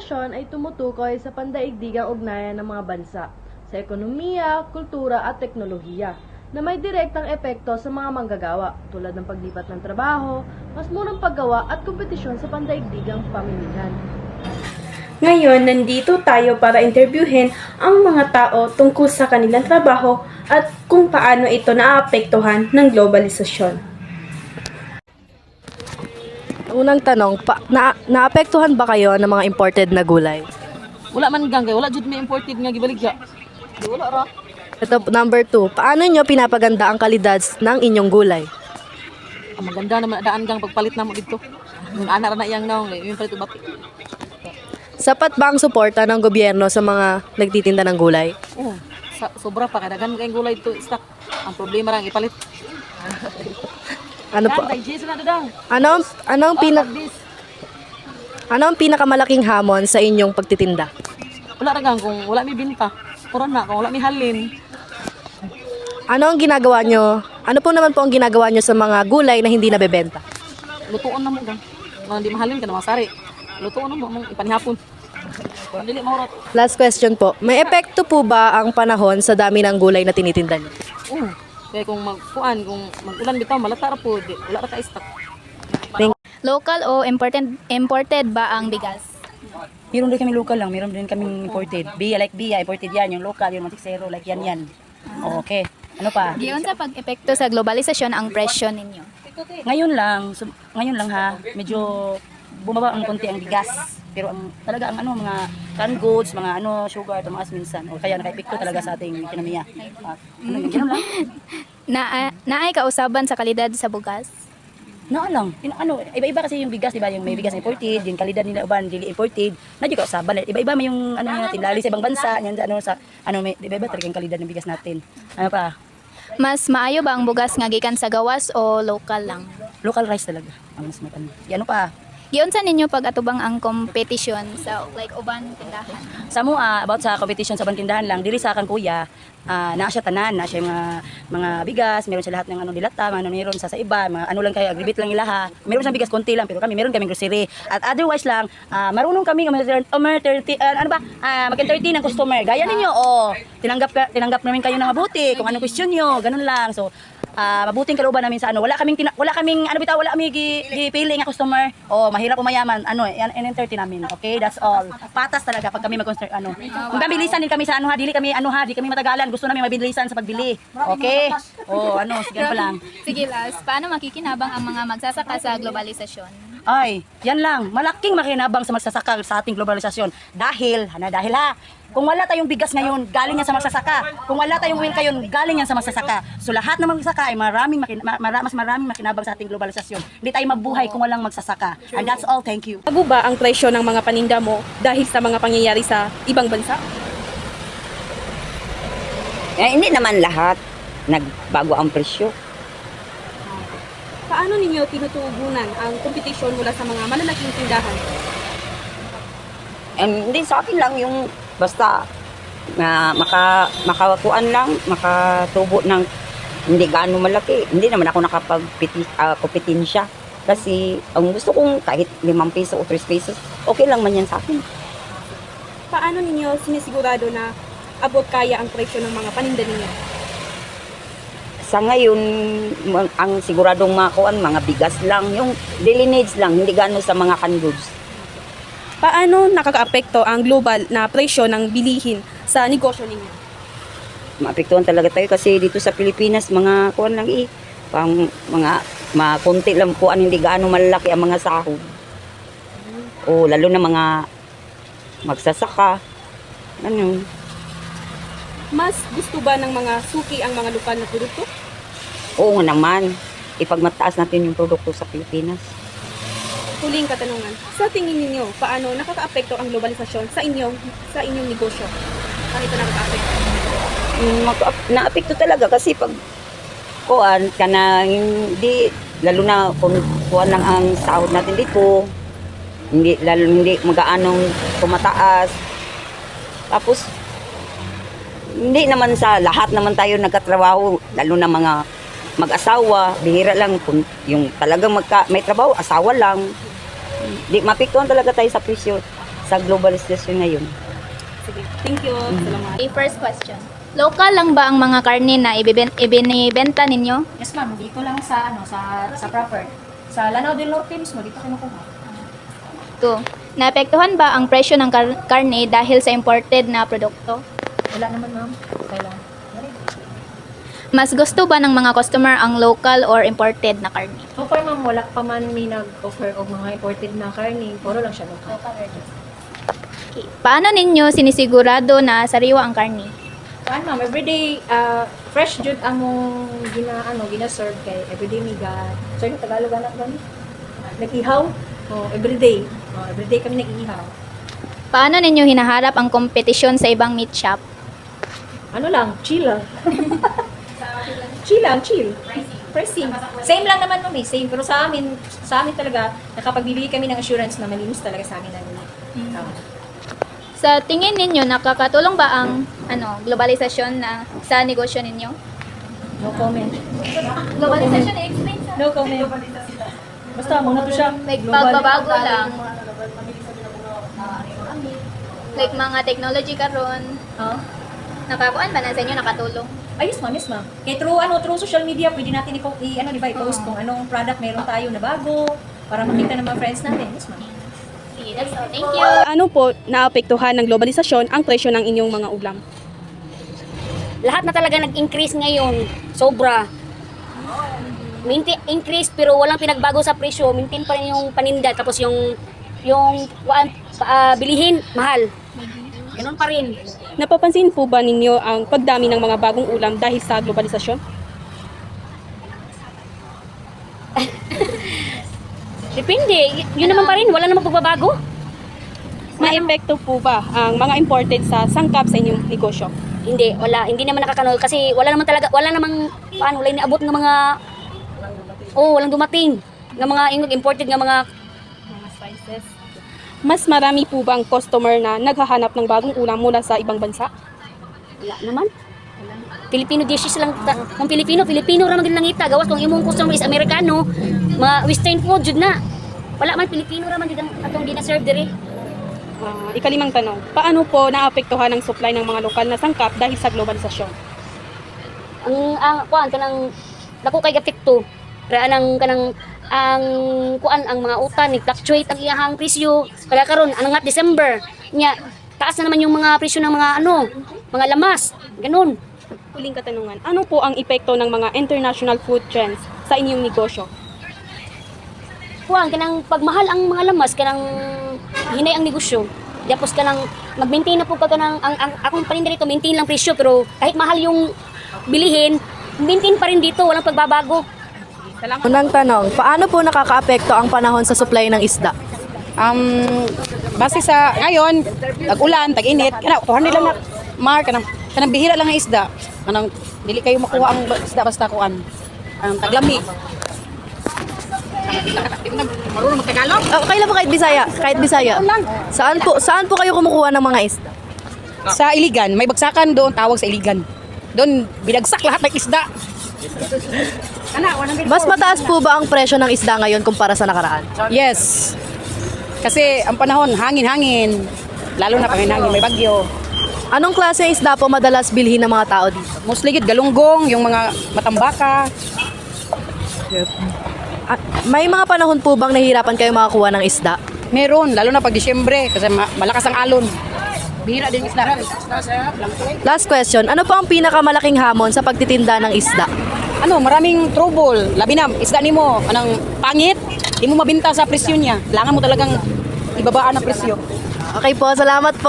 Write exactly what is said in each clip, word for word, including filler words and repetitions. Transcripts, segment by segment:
globalisasyon ay tumutukoy sa pandaigdigang ugnayan ng mga bansa sa ekonomiya, kultura at teknolohiya na may direktang epekto sa mga manggagawa tulad ng paglipat ng trabaho, mas murang paggawa at kompetisyon sa pandaigdigang pamilihan. Ngayon, nandito tayo para interviewin ang mga tao tungkol sa kanilang trabaho at kung paano ito naaapektuhan ng globalisasyon. Unang tanong, pa, na, naapektuhan ba kayo ng mga imported na gulay? Wala man gang kay wala jud may imported nga gibaligya. Di wala ra. Ito, number two, paano nyo pinapaganda ang kalidad ng inyong gulay? Ang maganda naman daan gang pagpalit namo dito. Yung ana ra na iyang naong yung palit bati. Sapat ba ang suporta ng gobyerno sa mga nagtitinda ng gulay? Oh, sa, sobra pa kay daghan kay gulay dito stock. Ang problema ra ang ipalit. Ano po? Dang kay na dang. Ano ano ang pinak this. ano ang pinakamalaking hamon sa inyong pagtitinda? Wala ra gang kung wala mi binta. Puro na kung wala mi halin. Ano ang ginagawa nyo? Ano po naman po ang ginagawa nyo sa mga gulay na hindi nabebenta? Lutuon na mo gang. Kung di mahalin ka na masari. Lutuon na mo mong ipanihapon. Kung dili mahurot. Last question po. May epekto po ba ang panahon sa dami ng gulay na tinitinda nyo? Oh, kaya kung magkuan kung magulan bitaw malata ra po, di, wala ra ka stock. Local o imported imported ba ang bigas? Meron din kami local lang, meron din kami imported. Bia like Bia, imported yan. Yung local, yung Matic Zero, like yan yan. Okay. Ano pa? Giyon sa pag-epekto sa globalisasyon ang presyo ninyo. Ngayon lang, so, ngayon lang ha, medyo bumaba ang konti ang bigas. Pero ang talaga ang ano, mga canned goods, mga ano, sugar, tumaas minsan. O kaya naka-epekto talaga sa ating ekonomiya. At, ano, ganun lang. Na naay kausaban sa kalidad sa bugas. Naa lang. Tin- ano, iba-iba kasi yung bigas, di ba? Yung may bigas na imported, yung kalidad nila uban, dili imported. Na di ko saban. Iba-iba may yung ano natin, lalo sa ibang bansa, yan ano sa ano may iba-iba talaga yung kalidad ng bigas natin. Ano pa? Mas maayo ba ang bugas nga gikan sa gawas o local lang? Local rice talaga. Ang mas matanda. Yan ano pa? Giyon sa ninyo pag atubang ang competition sa like uban tindahan. Sa mo ah, about sa competition sa bantindahan lang, dili sa kan kuya, ah naa siya tanan, naa siya mga mga bigas, meron siya lahat ng ano dilata, mga ano meron sa sa iba, mga ano lang kayo, agribit lang ilaha. Meron siyang bigas konti lang, pero kami meron kaming grocery. At otherwise lang, ah, marunong kami umer thirty uh, ano ba? Ah, mag-entertain ng customer. Gaya ninyo, oh, tinanggap ka, tinanggap namin kayo ng mabuti kung anong question niyo, ganun lang. So, ah mabuting kalooban namin sa ano, wala kaming tina, wala kaming ano bitaw, wala kami gi, gipili nga customer. Oh, mahirap o mayaman, ano, yan entertain namin. Okay, that's all. Patas talaga pag kami mag ano. Kung bilisan din kami sa ano ha, dili kami ano ha, di kami matagalan. Gusto namin mabilisan sa pagbili. Okay? Oh, ano, sige pa lang. Sige last, paano makikinabang ang mga magsasaka sa globalisasyon? Ay, yan lang. Malaking makinabang sa magsasaka sa ating globalisasyon. Dahil, hana dahil ha, kung wala tayong bigas ngayon, galing yan sa magsasaka. Kung wala tayong oil ngayon, galing yan sa magsasaka. So lahat ng magsasaka ay maraming makin, ma, mas maraming makinabang sa ating globalisasyon. Hindi tayo mabuhay kung walang magsasaka. And that's all. Thank you. Bago ba ang presyo ng mga paninda mo dahil sa mga pangyayari sa ibang bansa? Eh, hindi naman lahat nagbago ang presyo. Paano ninyo tinutugunan ang kompetisyon mula sa mga malalaking tindahan? And hindi sa akin lang yung basta na maka makakuan lang, makatubo ng hindi gaano malaki. Hindi naman ako nakapag-kompetensya. Kasi ang gusto kong kahit limang piso o tres pesos, okay lang man yan sa akin. Paano ninyo sinisigurado na abot kaya ang presyo ng mga paninda ninyo? Sa ngayon, ma- ang siguradong makuan, mga bigas lang, yung daily needs lang, hindi gaano sa mga canned goods. Paano nakakaapekto ang global na presyo ng bilihin sa negosyo ninyo? Maapektuhan talaga tayo kasi dito sa Pilipinas, mga kuan lang eh, pang mga makunti lang kuan, hindi gaano malaki ang mga sahod. O lalo na mga magsasaka. Ano? Mas gusto ba ng mga suki ang mga lokal na produkto? Oo nga naman, ipagmataas natin yung produkto sa Pilipinas. Huling katanungan, sa tingin ninyo, paano nakakaapekto ang globalisasyon sa inyong sa inyong negosyo? Paano ito nakakaapekto? Mm, maka- naapekto talaga kasi pag kuan ka na hindi, lalo na kung kuan lang ang sahod natin dito, hindi, lalo hindi magaanong tumataas. Tapos, hindi naman sa lahat naman tayo nagkatrabaho, lalo na mga mag-asawa, bihira lang kung yung talagang magka, may trabaho, asawa lang. Di mapiktuhan talaga tayo sa presyo sa globalization ngayon. Sige, thank you. Salamat. Okay, first question. Local lang ba ang mga karne na ibiben- ibinibenta ninyo? Yes ma'am, dito lang sa ano sa sa proper. Sa Lanao del Norte mismo dito kinukuha. Two. Naapektuhan ba ang presyo ng kar- karne dahil sa imported na produkto? Wala naman ma'am. Kailan? Mas gusto ba ng mga customer ang local or imported na karne? So far ma'am, wala pa man may nag-offer og mga imported na karne, puro lang siya local. Okay. Paano ninyo sinisigurado na sariwa ang karne? Kuan ma'am, everyday uh, fresh jud among gina ano gina-serve kay everyday mi ga. So yung Tagalog anak gani. Nag-ihaw. Oh, everyday. Oh, everyday kami nag-ihaw. Paano ninyo hinaharap ang kompetisyon sa ibang meat shop? Ano lang, chill lang. chill lang, chill. Pricing. Same lang naman ma'am, eh, same. Pero sa amin, sa amin talaga, nakapagbibigay kami ng assurance na malinis talaga sa amin ang tao. Sa tingin ninyo, nakakatulong ba ang ano, globalisasyon na sa negosyo ninyo? No comment. Globalisasyon, explain sa No comment. Basta, muna to siya. like Global. pagbabago lang. Like mga technology karon, Oh. nakakuan ba na sa inyo nakatulong? Ayos ma'am, yes ma'am. Kaya through, ano, through social media, pwede natin i- i- ano, di ba, i-post kung anong product meron tayo na bago para makita ng mga friends natin. Yes ma'am. Okay, that's all. Thank you. Ano po naapektuhan ng globalisasyon ang presyo ng inyong mga ulam? Lahat na talaga nag-increase ngayon. Sobra. Maintain, increase pero walang pinagbago sa presyo. Maintain pa rin yung paninda. Tapos yung yung kuan, ah, bilihin, mahal. Ganun pa rin. Napapansin po ba ninyo ang pagdami ng mga bagong ulam dahil sa globalisasyon? Depende. Y- yun naman pa rin. Wala namang pagbabago. May epekto po ba ang mga imported sa sangkap sa inyong negosyo? Hindi. Wala. Hindi naman nakakano. Kasi wala naman talaga. Wala namang paano. Wala inaabot ng mga oh, walang dumating. Ng mga ingog imported ng mga Mas marami po ba ang customer na naghahanap ng bagong ulam mula sa ibang bansa? wala naman. Filipino dishes lang ta, kung Filipino, Filipino ra man gid lang ita. Gawas kung imong customer is Amerikano, mga western food jud na. Wala man Filipino ra man gid ang atong gina-serve diri. Ah, ikalimang tanong, paano po naapektuhan ang supply ng mga lokal na sangkap dahil sa globalisasyon? Ang ang kuan kanang dako kay gapekto. Ra anang kanang ang kuan ang mga utan ni fluctuate ang iyahang presyo. Kaya karon anong December nya taas na naman yung mga presyo ng mga ano, mga lamas. Ganun. Huling katanungan, ano po ang epekto ng mga international food trends sa inyong negosyo? Kuan kanang pagmahal ang mga lamas kanang hinay ang negosyo. Tapos kanang mag-maintain na po ka kanang ang, ang akong paninda dito maintain lang presyo pero kahit mahal yung bilihin, maintain pa rin dito, walang pagbabago. Unang tanong, paano po nakakaapekto ang panahon sa supply ng isda? Um, base sa ngayon, tag-ulan, tag-init, kana kuha nila na mar kanang kanang bihira lang ang isda. Kanang dili kayo makuha ang ba- isda basta kuan. Ang taglami. Marunong mag-Tagalog? Oh, okay lang po kahit Bisaya, kahit Bisaya. Saan po saan po kayo kumukuha ng mga isda? Sa Iligan, may bagsakan doon tawag sa Iligan. Doon binagsak lahat ng isda. Kana, Mas mataas po ba ang presyo ng isda ngayon kumpara sa nakaraan? yes. Kasi ang panahon, hangin-hangin. Lalo na pag may hangin, may bagyo. Anong klase ng isda po madalas bilhin ng mga tao dito? Mostly gid galunggong, yung mga matambaka. Ah, may mga panahon po bang nahihirapan kayo makakuha ng isda? Meron, lalo na pag Disyembre kasi ma- malakas ang alon. Bihira din isda. Last question, ano po ang pinakamalaking hamon sa pagtitinda ng isda? Ano, maraming trouble. Labi na, isda nimo, anang pangit, di mo mabinta sa presyo niya. Kailangan mo talagang ibabaan ang presyo. Okay po, salamat po.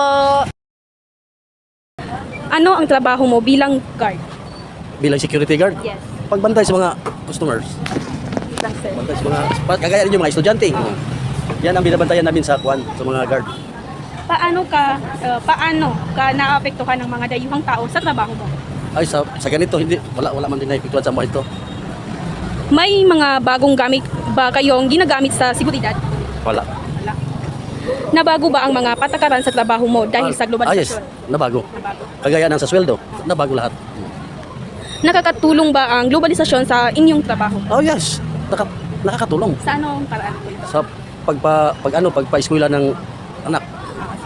Ano ang trabaho mo bilang guard? Bilang security guard? Yes. Pagbantay sa mga customers. Pagbantay sa mga, pa- kagaya rin yung mga estudyante. Yan ang binabantayan namin sa kwan, sa mga guard. Paano ka uh, paano ka naapektuhan ng mga dayuhang tao sa trabaho mo? Ay, sa, sa ganito, hindi, wala, wala man din naipiktuan sa mga ito. May mga bagong gamit ba kayong ginagamit sa seguridad? Wala. Nabago ba ang mga patakaran sa trabaho mo dahil sa Ah, yes, globalisasyon? nabago. Kagaya ng sa sweldo, nabago lahat. Nakakatulong ba ang globalisasyon sa inyong trabaho? Oh yes, Naka, nakakatulong Sa anong paraan po ito? sa pagpa, pag ano, pagpa-eskwela ng anak.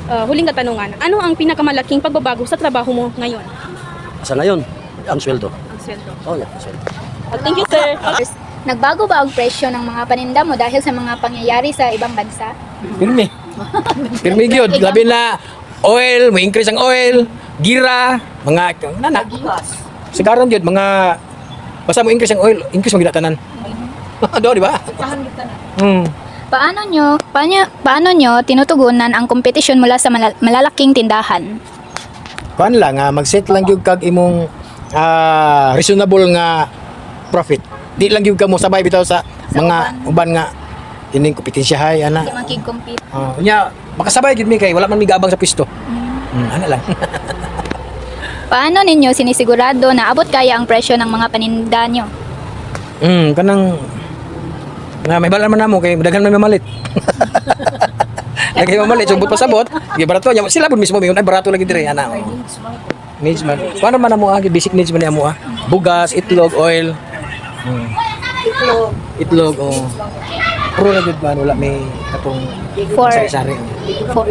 ah, huling katanungan, ano ang pinakamalaking pagbabago sa trabaho mo ngayon? Sa ngayon, ang sweldo. Ang sweldo. Oh, yeah, ang sweldo. Oh, thank you, sir. Nagbago ba ang presyo ng mga paninda mo dahil sa mga pangyayari sa ibang bansa? Pirmi. Pirmi gyud, labi na oil, may increase ang oil, gira, mga nana. Sigaran gyud mga basta mo increase ang oil, increase mo gid tanan. Do, di ba? Hmm. Paano nyo, paano, paano nyo tinutugunan ang kompetisyon mula sa malal- malalaking tindahan? Kuan lang nga mag-set lang gyud kag imong ah, reasonable nga profit. Di lang gyud ka mo sabay bitaw sa mga uban nga ining kompetensyahay ana. Hindi makig-compete. Oh, nya makasabay gyud mi kay wala man mi gaabang sa pisto. Hmm, ana lang. Paano ninyo sinisigurado na abot kaya ang presyo ng mga paninda nyo? Hmm, kanang na may balan man namo kay daghan man mamalit. Lagi mamalit subot pa sabot, gi barato nya sila pud mismo mi ay barato lagi dire ana. Oh. Needs man. Paano man namo agi basic needs man ni amo ah. Bugas, itlog, oil. Hmm. Itlog. Itlog oh. Pro na gud man wala may katong For, sari-sari. for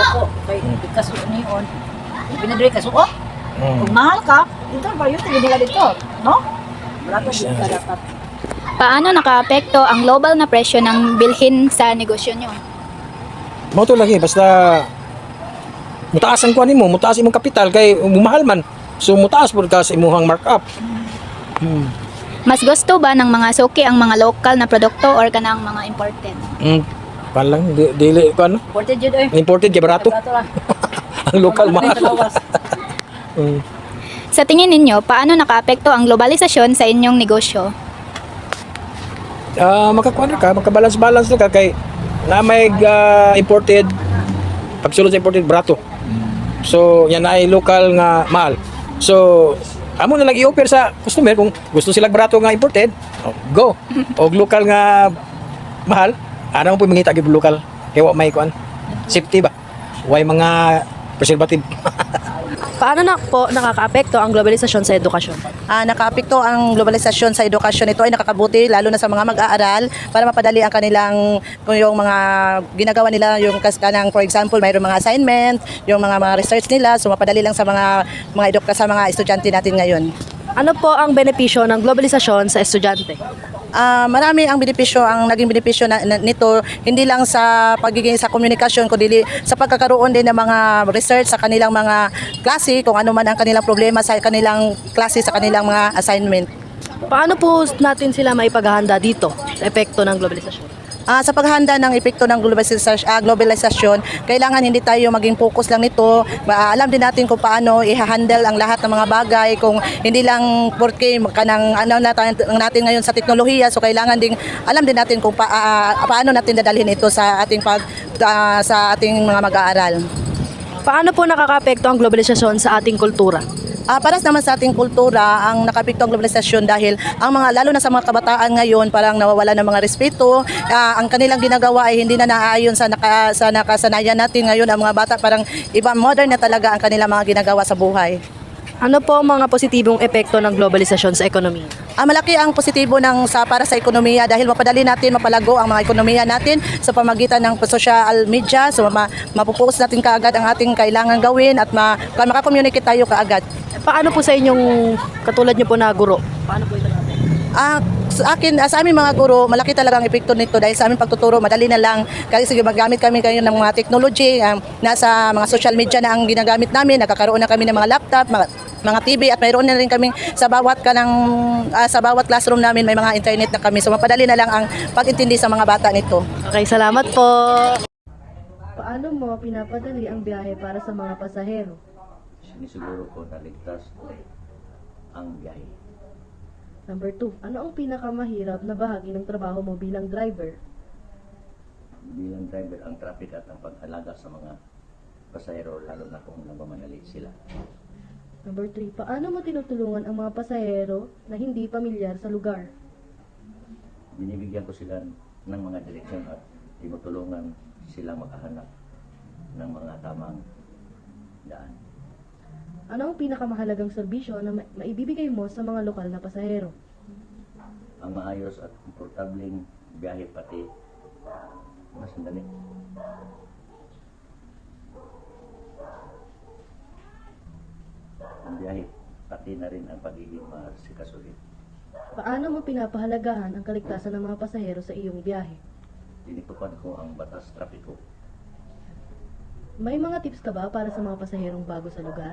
Pinadre ka suko. Hmm. Kung mahal ka, dito ba yun? Tingin nila dito. No? Barato din ka dapat. paano nakaapekto ang global na presyo ng bilhin sa negosyo nyo? Mo to lagi basta mutaas ang kuan nimo, mutaas imong kapital kay mahal man. So mutaas pud ka sa imong markup. Hmm. Mas gusto ba ng mga suki ang mga local na produkto or kanang mga imported? Mm. Palang di, dili ko ano? Imported yun eh. Imported kay barato. Barato lang. Ang local mahal. Mm. Sa tingin ninyo, paano nakaapekto ang globalisasyon sa inyong negosyo? Ah, makakuan ka, makabalance-balance na ka kay na may ah, imported pagsulod sa imported barato. So yan ay local nga mahal. So amo na lang i-offer sa customer kung gusto sila barato nga imported, oh, go. O local nga mahal, ano mo po mangita gyud local. Kaya wa may kuan. Safety ba? Way mga preservative. Paano na po nakakaapekto ang globalisasyon sa edukasyon? Ah, nakaapekto ang globalisasyon sa edukasyon. Ito ay nakakabuti lalo na sa mga mag-aaral para mapadali ang kanilang kung yung mga ginagawa nila yung kas kanang for example mayroong mga assignment, yung mga mga research nila, so mapadali lang sa mga mga eduka sa mga estudyante natin ngayon. Ano po ang benepisyo ng globalisasyon sa estudyante? Ah, marami ang benepisyo, ang naging benepisyo na, na- nito hindi lang sa pagiging sa komunikasyon kundi sa pagkakaroon din ng mga research sa kanilang mga klase kung ano man ang kanilang problema sa kanilang klase sa kanilang mga assignment. Paano po natin sila maipaghahanda dito sa epekto ng globalisasyon? Ah, sa paghahanda ng epekto ng globalisasyon, ah, globalisasyon, kailangan hindi tayo maging focus lang nito. Ma- alam din natin kung paano i-handle ang lahat ng mga bagay, kung hindi lang porque kanang ano natin, natin ngayon sa teknolohiya, so kailangan ding alam din natin kung pa, ah, paano natin dadalhin ito sa ating pag ah, sa ating mga mag-aaral. Paano po nakakaapekto ang globalisasyon sa ating kultura? Ah, para naman sa ating kultura, ang nakapikto ang globalisasyon dahil ang mga lalo na sa mga kabataan ngayon parang nawawala ng mga respeto. Ah, ang kanilang ginagawa ay hindi na naaayon sa naka, sa nakasanayan natin ngayon. Ang mga bata parang iba modern na talaga ang kanilang mga ginagawa sa buhay. Ano po ang mga positibong epekto ng globalisasyon sa ekonomiya? Ah, malaki ang positibo ng sa para sa ekonomiya dahil mapadali natin mapalago ang mga ekonomiya natin sa pamagitan ng social media. So ma, mapupokus natin kaagad ang ating kailangan gawin at ma, makakommunicate tayo kaagad. Paano po sa inyong katulad niyo po na guro? Paano po ito? Ah, sa akin, ah, sa aming mga guro, malaki talagang epekto nito dahil sa aming pagtuturo, madali na lang. Kasi sige, magamit kami kayo ng mga technology, ah, nasa mga social media na ang ginagamit namin, nagkakaroon na kami ng mga laptop, mga, mga T V at mayroon na rin kami sa bawat kanang ah, sa bawat classroom namin may mga internet na kami. So mapadali na lang ang pag-intindi sa mga bata nito. Okay, salamat po! Paano mo pinapadali ang biyahe para sa mga pasahero? Sinisiguro ko na ligtas ang biyahe. Number two, ano ang pinakamahirap na bahagi ng trabaho mo bilang driver? Bilang driver, ang traffic at ang pag-alaga sa mga pasahero, lalo na kung nagmamadali sila. Number three, paano mo tinutulungan ang mga pasahero na hindi pamilyar sa lugar? Binibigyan ko sila ng mga direksyon at tinutulungan silang makahanap ng mga tamang daan. Ano ang pinakamahalagang serbisyo na ma- maibibigay mo sa mga lokal na pasahero? Ang maayos at komportabling biyahe pati mas sandali. biyahe, pati na rin ang pagiging maasikasuhin. Paano mo pinapahalagahan ang kaligtasan ng mga pasahero sa iyong biyahe? Tinitukan ko ang batas trapiko. May mga tips ka ba para sa mga pasaherong bago sa lugar?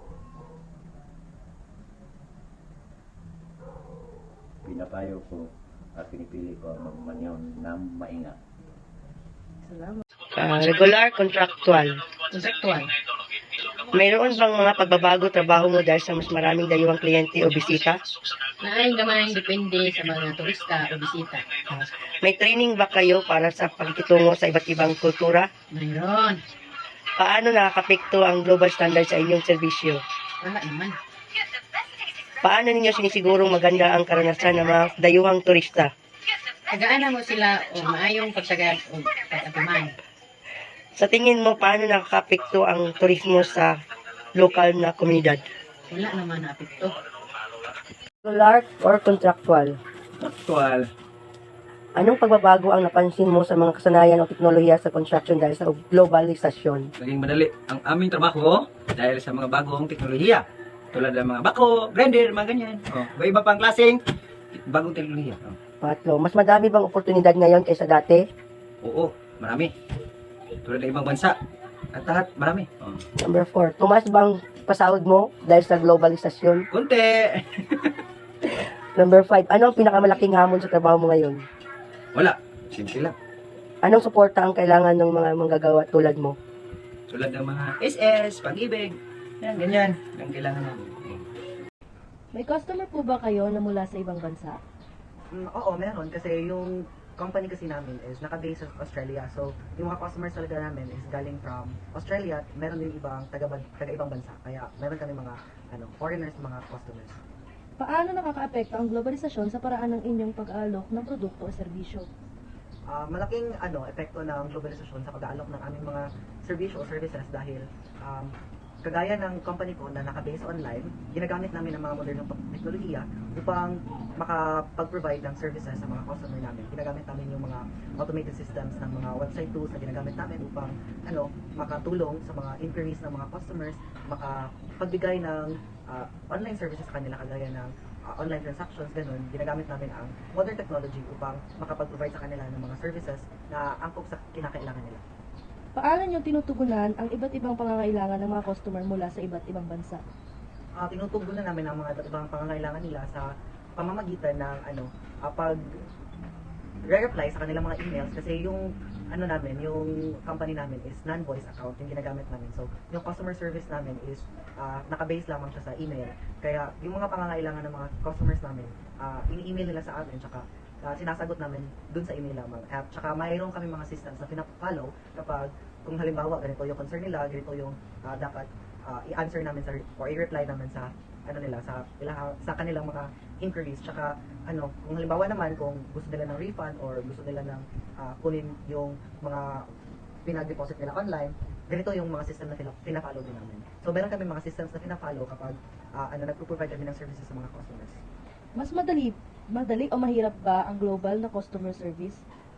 Pinapayo ko at pinipili ko ang magmanyaw ng maingat. Salamat. Ah, regular, contractual. Kontekstual. Mayroon bang mga pagbabago trabaho mo dahil sa mas maraming dayuhang kliyente o bisita? Naayon gamay depende sa mga turista o bisita. May training ba kayo para sa pagkitungo sa iba't ibang kultura? Mayroon. Paano nakakapekto ang global standard sa inyong serbisyo? Wala naman. Paano ninyo sinisigurong maganda ang karanasan ng mga dayuhang turista? Tagaan mo sila o maayong pagsagad o pag-atiman. Sa tingin mo, paano nakakapekto ang turismo sa lokal na komunidad? Wala naman na apekto. Regular or contractual? Actual. Anong pagbabago ang napansin mo sa mga kasanayan o teknolohiya sa construction dahil sa globalisasyon? Naging madali ang aming trabaho dahil sa mga bagong teknolohiya. Tulad ng mga bako, grinder, mga ganyan. Oh, iba pang klaseng bagong teknolohiya. Oh. Patlo, mas madami bang oportunidad ngayon kaysa dati? Oo, marami. Tulad ng ibang bansa. At lahat, marami. Oh. Number four, tumaas bang pasahod mo dahil sa globalisasyon? Kunti. Number five, ano ang pinakamalaking hamon sa trabaho mo ngayon? Wala. Simple lang. Anong suporta ang kailangan ng mga manggagawa tulad mo? Tulad ng mga S S, pag-ibig. Yan, ganyan. Ang kailangan namin. May customer po ba kayo na mula sa ibang bansa? Mm, oo, meron. Kasi yung company kasi namin is naka-base sa Australia. So, yung mga customers talaga namin is galing from Australia. Meron din ibang taga, taga ibang bansa. Kaya meron kami mga ano, foreigners, mga customers. Paano nakakaapekto ang globalisasyon sa paraan ng inyong pag-aalok ng produkto o serbisyo? Uh, malaking ano, epekto ng globalisasyon sa pag-aalok ng aming mga serbisyo o services dahil um, kagaya ng company ko na naka-base online, ginagamit namin ang mga modernong teknolohiya upang makapag-provide ng services sa mga customer namin. Ginagamit namin yung mga automated systems ng mga website tools na ginagamit namin upang ano, makatulong sa mga inquiries ng mga customers, makapagbigay ng uh, online services sa kanila kagaya ng uh, online transactions, ganun. Ginagamit namin ang modern technology upang makapag-provide sa kanila ng mga services na angkop sa kinakailangan nila. Paano nyo tinutugunan ang iba't ibang pangangailangan ng mga customer mula sa iba't ibang bansa? Uh, tinutugunan namin ang mga ibang pangangailangan nila sa pamamagitan ng ano, uh, pag re-reply sa kanilang mga emails kasi yung ano namin, yung company namin is non-voice account yung ginagamit namin. So, yung customer service namin is uh, naka-base lamang siya sa email. Kaya yung mga pangangailangan ng mga customers namin, uh, ini-email nila sa amin tsaka Uh, sinasagot namin dun sa email lamang. At saka mayroon kami mga systems na pinapollow kapag kung halimbawa ganito yung concern nila, ganito yung uh, dapat uh, i-answer namin sa or i-reply namin sa ano nila sa ilang, sa kanilang mga inquiries. Tsaka ano, kung halimbawa naman kung gusto nila ng refund or gusto nila ng uh, kunin yung mga pinag-deposit nila online, ganito yung mga system na pina-follow din namin. So meron kami mga systems na pina-follow kapag uh, ano nagpo-provide kami ng services sa mga customers. Mas madali, madali o mahirap ba ang global na customer service?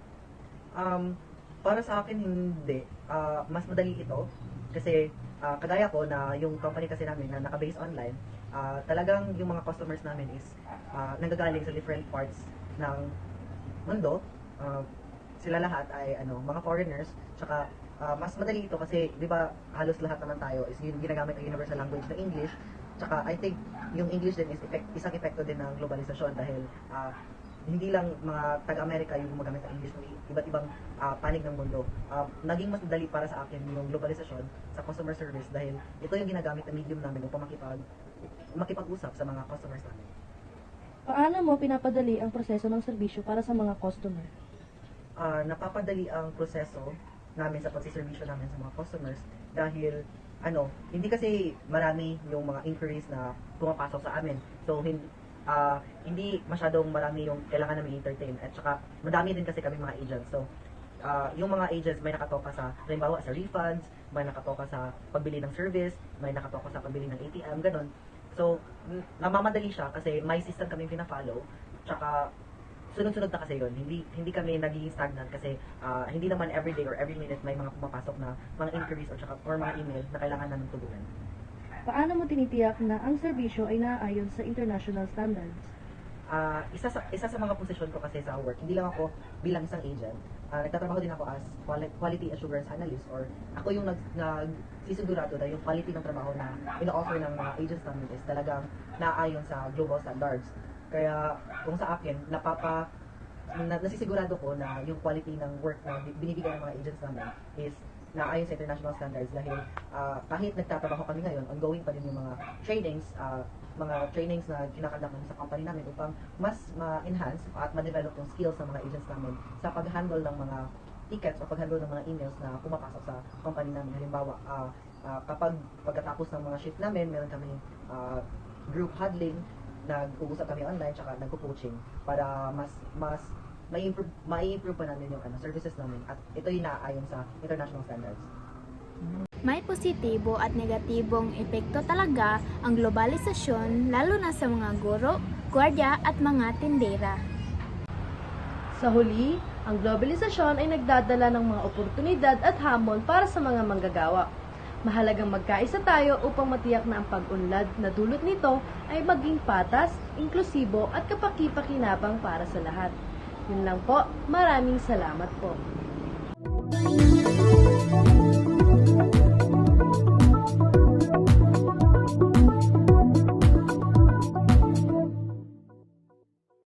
Um, para sa akin, hindi. Uh, mas madali ito. Kasi, uh, kagaya ko na yung company kasi namin na naka-base online, uh, talagang yung mga customers namin is uh, nanggagaling sa different parts ng mundo. Uh, sila lahat ay ano, mga foreigners. Tsaka, uh, mas madali ito kasi, di ba, halos lahat naman tayo is yung ginagamit ang universal language na English. Tsaka, I think, yung English din is effect, isang epekto din ng globalisasyon dahil uh, hindi lang mga taga-Amerika yung gumagamit ng English, ng iba't ibang uh, panig ng mundo. Uh, naging mas madali para sa akin yung globalisasyon sa customer service dahil ito yung ginagamit na medium namin upang makipag, makipag-usap sa mga customers namin. Paano mo pinapadali ang proseso ng serbisyo para sa mga customer? Uh, napapadali ang proseso namin sa pagsiservisyo namin sa mga customers dahil ano, hindi kasi marami yung mga inquiries na pumapasok sa amin. So, hindi, uh, hindi masyadong marami yung kailangan namin entertain. At saka, madami din kasi kami mga agents. So, uh, yung mga agents may nakatoka sa, halimbawa sa refunds, may nakatoka sa pagbili ng service, may nakatoka sa pagbili ng A T M, ganun. So, namamadali siya kasi may system kami pina-follow. Tsaka, sunod-sunod na kasi yun. Hindi hindi kami nagiging stagnant kasi uh, hindi naman every day or every minute may mga pumapasok na mga inquiries or, tsaka, or mga email na kailangan namin tugunan. paano mo tinitiyak na ang serbisyo ay naaayon sa international standards? Ah, isa sa isa sa mga posisyon ko kasi sa work, hindi lang ako bilang isang agent. Ah, nagtatrabaho din ako as quali- quality assurance analyst, or ako yung nag nagsisigurado na yung quality ng trabaho na ino-offer ng mga agents namin is talagang naaayon sa global standards. Kaya kung sa akin, napapa na, nasisigurado ko na yung quality ng work na binibigay ng mga agents namin is naayon sa international standards, dahil ah, kahit nagtatrabaho kami ngayon, ongoing pa din yung mga trainings, ah, mga trainings na kinakandak namin sa company namin upang mas ma-enhance at ma-develop yung skills ng mga agents namin sa pag-handle ng mga tickets o pag-handle ng mga emails na pumapasok sa company namin. Halimbawa, uh, uh, kapag pagkatapos ng mga shift namin, meron kami uh, group huddling, nag-uusap kami online, tsaka nagpo-coaching para mas mas mai-improve, mai-improve pa namin yung ano, services namin, at ito yung naaayon sa international standards. May positibo at negatibong epekto talaga ang globalisasyon, lalo na sa mga guro, gwardiya at mga tindera. Sa huli, ang globalisasyon ay nagdadala ng mga oportunidad at hamon para sa mga manggagawa. Mahalagang magkaisa tayo upang matiyak na ang pag-unlad na dulot nito ay maging patas, inklusibo at kapaki-pakinabang para sa lahat. Yun lang po, maraming salamat po.